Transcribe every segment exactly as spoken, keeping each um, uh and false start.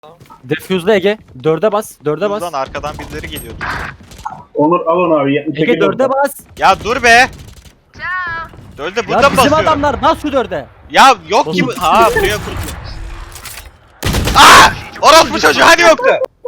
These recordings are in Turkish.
Defuse'da Ege. Dörde bas. Dörde bas. Buradan arkadan birileri geliyordu. Onur al onu abi. Ege dörde bas. Ya dur be. Dörde burada Ya mı bizim basıyorum? adamlar bas şu dörde. Ya yok ki bu. Ha buraya kurdu. Aaa! Orospu çocuğu hani yoktu?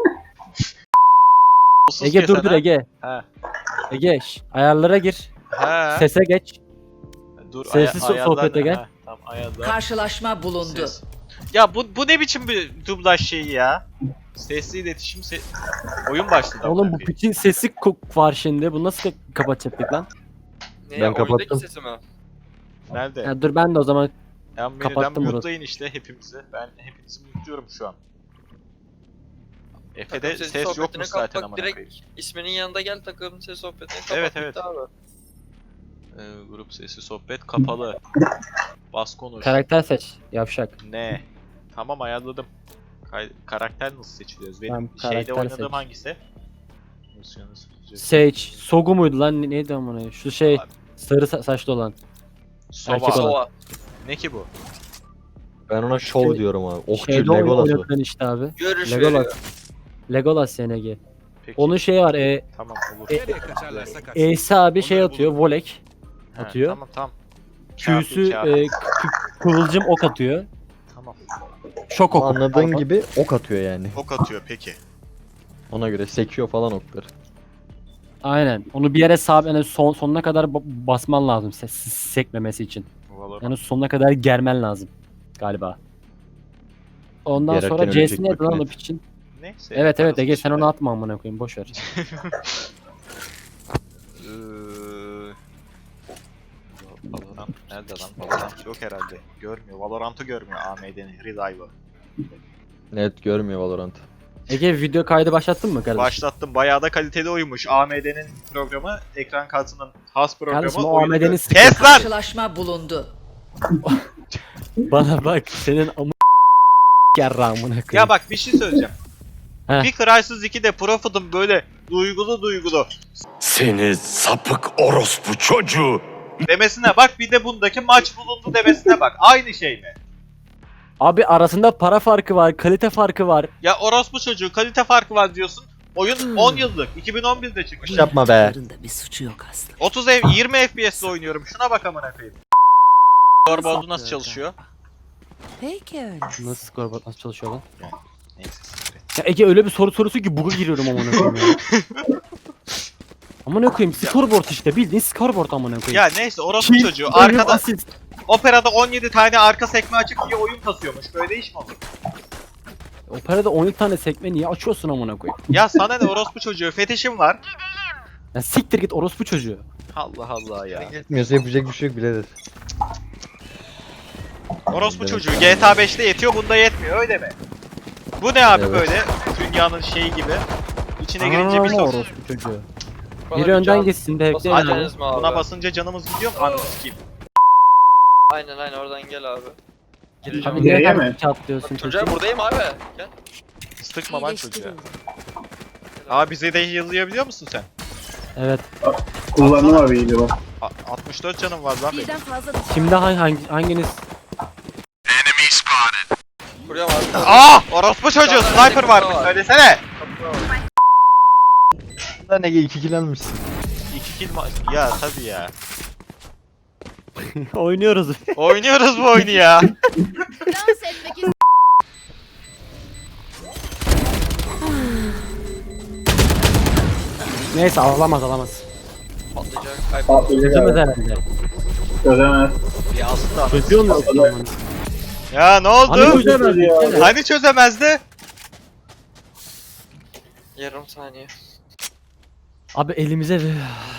Ege dur dur Ege. He. Ege şş, ayarlara gir. He. Sese geç. Dur, Sessiz aya- sohbete ayarlar- gel. Ha, Tamam ayarlar. Karşılaşma bulundu. Ses. Ya bu bu ne biçim bir dublaj şeyi ya? Sesli iletişim se oyun başladı. Oğlum bu amına koyayım. piçin sesi ko- var şimdi. Bunu nasıl ka- kapatacaktık lan? Ne, Ben kapattım. oyundaki sesi mi? Nerede? Ya dur ben de o zaman Ya menüden kapattım burası. mute'layın işte hepimizi. Ben hepinizi mute'luyorum şu an. Efe'de Takım sesi ses sohbetine yokmuş zaten kalk, amına direkt koyayım. isminin yanında gel takım ses sohbetine kapat. Evet, bitti evet. Abi. Ee, grup sesi sohbet kapalı. Bas konuş. karakter seç. Yavşak. Ne? Tamam ayarladım. Kay- karakter nasıl seçiliyoruz? Benim Tamam, şeyde karakter oynadığım seç. hangisi? Nosyonu seçeceğiz. Sage. Sogu muydu lan? Ne- Neydi amına? Şu şey Abi. sarı sa- saçlı olan. Sova. erkek olan. Sova. Ne ki bu? Ben ona şov Şey- diyorum abi. Okçu Şeyde oyun Legolas o. oynatan işte abi. Görüş Legolas. veriyor. Legolas yani Ege. Peki. Onun şeyi var. E, Tamam olur. e, E'si abi şey Onları atıyor. Volek. He, atıyor. Tamam tamam. Q'su Kafi, e, kı- kıvılcım ok atıyor. Tamam. Şok oku. Anladığın Pardon. gibi ok atıyor yani. Ok atıyor peki. Ona göre sekiyor falan okları. Aynen. Onu bir yere sabit yani son, sonuna kadar ba- basman lazım ses sekmemesi için. Valorant. Yani sonuna kadar germen lazım galiba. Ondan Gererken sonra ölecek C'si neydi lan o makinet. piçin? Neyse. Evet evet yaparız Ege bir sen şeyler. onu atma amına koyayım boş ver. Eee, Valorant nerede lan? Valorant yok herhalde. Görmüyor. Valorant'ı görmüyor A M D'nin Relive'ı. Net görmüyor Valorant. Ege video kaydı başlattın mı kardeşim? Başlattım. Bayağı da kaliteli oyunmuş. A M D'nin programı, ekran kartının has programı. Kardeşim, o oyunu A M D'nin gör- sıkıntı. Kes lan! Karşılaşma bulundu. Bana bak senin amı yarra amına koyayım. Ya bak bir şey söyleyeceğim. Heh. Bir Crysis ikide Profit'ın böyle duygulu duygulu Seni sapık orospu çocuğu. demesine bak, bir de bundaki maç bulundu demesine bak. Aynı şey mi? Abi arasında para farkı var, kalite farkı var. Ya orospu çocuğu kalite farkı var diyorsun. Oyun on yıllık. iki bin on birde çıkmış. Yapma be. Bir suçu yok aslında. otuz F yirmi F P S'le oynuyorum. Şuna bak amına koyayım. Scoreboard'u nasıl çalışıyor? Peki öyle. Nasıl scoreboard nasıl çalışıyor lan? Neyse. siktir et. Ya Ege öyle bir soru sorusu ki bug'a giriyorum amına koyayım ya. Amına koyayım scoreboard işte bildiğin scoreboard amına koyayım. Ya neyse orospu Kill, çocuğu ölüm, arkada asist. Opera'da on yedi tane arka sekme açık diye oyun kasıyormuş. Böyle iş mi olur? Operada on yedi tane sekme niye açıyorsun amına koyayım? Ya sana ne orospu çocuğu, fetişim var. Ya siktir git orospu çocuğu. Allah Allah ya. Yetmiyorsa yapacak bir şey yok birader. Orospu Evet. çocuğu G T A beşte yetiyor, bunda yetmiyor öyle mi? Bu ne abi Evet. böyle dünyanın şeyi gibi. İçine girince bir Aa, sos. orospu çocuğu. Bana Biri bir önden can- geçsin de bekleyin Basar abi. mısınız mı abi? Buna basınca canımız gidiyor mu? Ananı sikeyim. Aynen aynen oradan gel abi. Gireceğim. Abi niye Nereye her mi? çatlıyorsun Çocuğa çocuğu? buradayım abi. Gel. Sıkma lan çocuğa. Abi bize de yazıyabiliyor musun sen? Evet. Kullandım abi iyiydi bak. A- altmış dört canım var lan benim. Birden fazla Şimdi hangi, hangi hanginiz? Kuruyorum abi. Aa! Orospu çocuğu sniper varmış, söylesene. Lan Ege iki kill almışsın. İki kill ma- ya tabii ya. Oynuyoruz. Oynuyoruz bu oyunu ya. dans etmek Neyse alamaz alamaz. Patlayacak. Ay, Patlayacak Çözemez abi. herhalde. Çözemez. Ya aslında Çözüyor mu? ya ne Hani oldu? çözemez. Ya. gitsene. Hani çözemezdi? Yarım saniye. Abi elimize ver.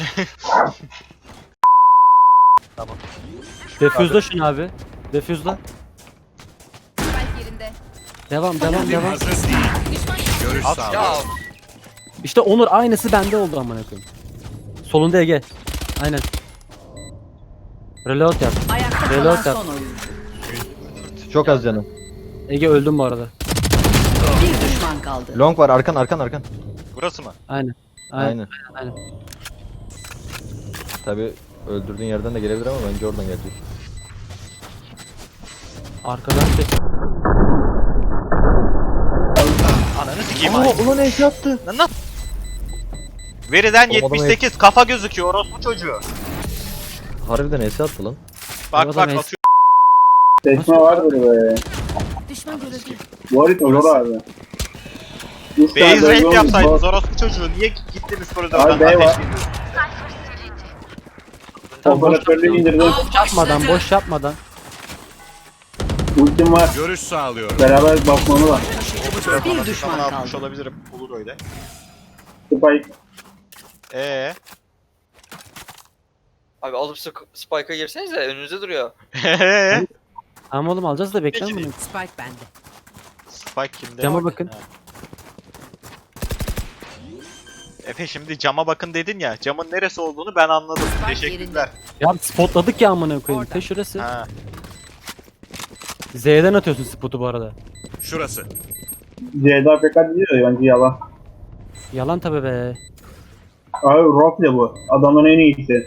Tamam. Defuse'la şunu abi. Defuse'la. yerinde. Devam devam devam. Görüş At sağlığı. Ya İşte Onur aynısı bende oldu amına koyayım. Solunda Ege. Aynen. Reload yap. Ayakta Reload kalan yap. son oyun. Çok az canım. Ege öldüm bu arada. Bir düşman kaldı. Long var arkan arkan arkan. Burası mı? Aynen. Aynen. Aynen. aynen. Tabi öldürdüğün yerden de gelebilir ama bence oradan gelecek. Arkadan ses. Ananı sikeyim Aa ay. ulan eşya attı. Lan lan. Veriden Oğlum adamı yetmiş sekiz kafa gözüküyor orospu çocuğu. Harbiden eşya attı lan. Bak Adam bak es- atıyor. Seçme vardır be. Düşman görüldü. Bu harita zor abi. Üç tane Base bölge raid olmuş, yapsaydınız zor. orospu çocuğu. Niye gittiniz koridordan Abi bey var. ateşlediniz? Tamam, boş Operatörlüğü yapma. indirdim. Boş yapmadan, boş yapmadan. Ultim var. Görüş sağlıyorum. Beraber bakmamı var. Bir düşman Tamam atmış kaldı. olabilirim. Olur öyle. Spike. Eee? Abi alıp Sp- Spike'a girsenize önünüzde duruyor. Eee? Tamam oğlum alacağız da bekle Peki. bunu. Spike bende. Spike kimde? Cama bakın. Ha. Efe şimdi cama bakın dedin ya. Camın neresi olduğunu ben anladım. Spike Teşekkürler. Ya spotladık ya amına koyayım. Orada. Te şurası. Ha. Z'den atıyorsun spotu bu arada. Şurası. C'de A P K diyor bence yalan. Yalan tabi be. Abi roleplay bu. Adamın en iyisi.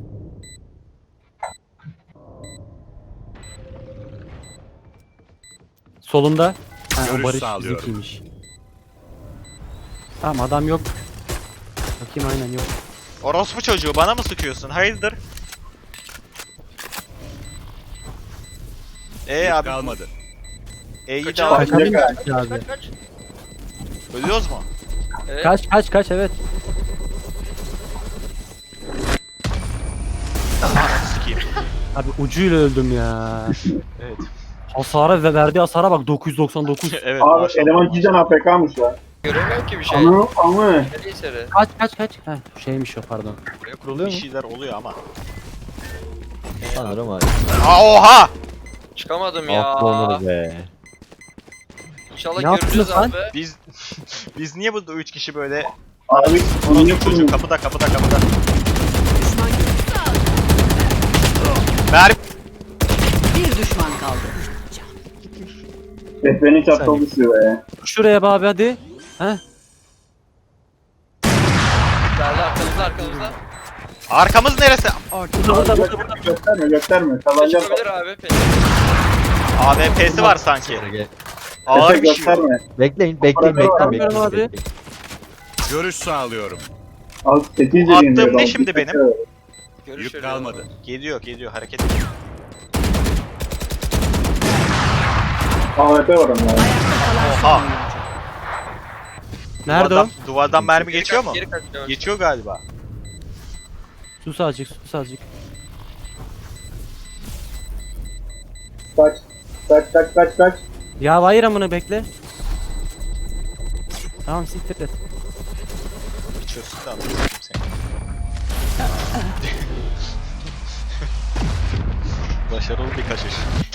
Solunda. Ha, o Görüş Barış sağlıyorum. bizimkiymiş. Tamam adam yok. Bakayım aynen yok. Orospu çocuğu bana mı sıkıyorsun? Hayırdır? Ee Yük abi. kalmadı. E'yi de Kaçalım. al. Kaçabilir Kaç, misin abi? Kaç kaç. Ölüyoruz mu? Evet. Kaç kaç kaç evet. Ananı sikeyim. Abi ucuyla öldüm ya. Evet. Hasara ve verdiği hasara bak dokuz yüz doksan dokuz. Evet Abi maşallah. eleman cidden A P K'mış lan. Göremiyorum ki bir şey. Anı anı. Nereye seri? Kaç kaç kaç. Heh şeymiş o pardon. Buraya kuruluyor Bir mu? şeyler oluyor ama. Sanırım abi. Aa oha! Çıkamadım ya. Ah Onur be. İnşallah Ne görürüz yaptınız lan? abi. Biz biz niye burada üç kişi böyle Abi niye orospu çocuğu kurmuş? kapıda kapıda kapıda. Düşman görüldü. Mermi Bir düşman kaldı. Betmen'in çatal düşüyor be. Şuraya be abi hadi. Heh. Geldi arkamızda arkamızda. arkamız neresi? Ortada. Burada burada burada. Gösterme gösterme. Kazanacağım. Çıkabilir abi. Peki. A W P'si var sanki. Gel. Ağır Efe bir şey var. gösterme. Bekleyin bekleyin bekleyin Bakıyorum bekleyin. abi. bekleyin. Görüş sağlıyorum. Al sekiz Attığım yeriyim diyor. ne Al, şimdi bir benim? dakika. Görüşürüz. Yük kalmadı. Geliyor geliyor hareket ediyor. A W P var ama. Oha. Nerede o? Duvardan, duvardan mermi Geri geçiyor kaç, mu? Geri kaç. yavaş. Geçiyor galiba. Sus azıcık sus azıcık. Kaç. Kaç kaç kaç kaç. Ya hayır amına bekle. Tamam siktir et. Geçiyorsun da anlıyorum seni. Başarılı bir kaçış.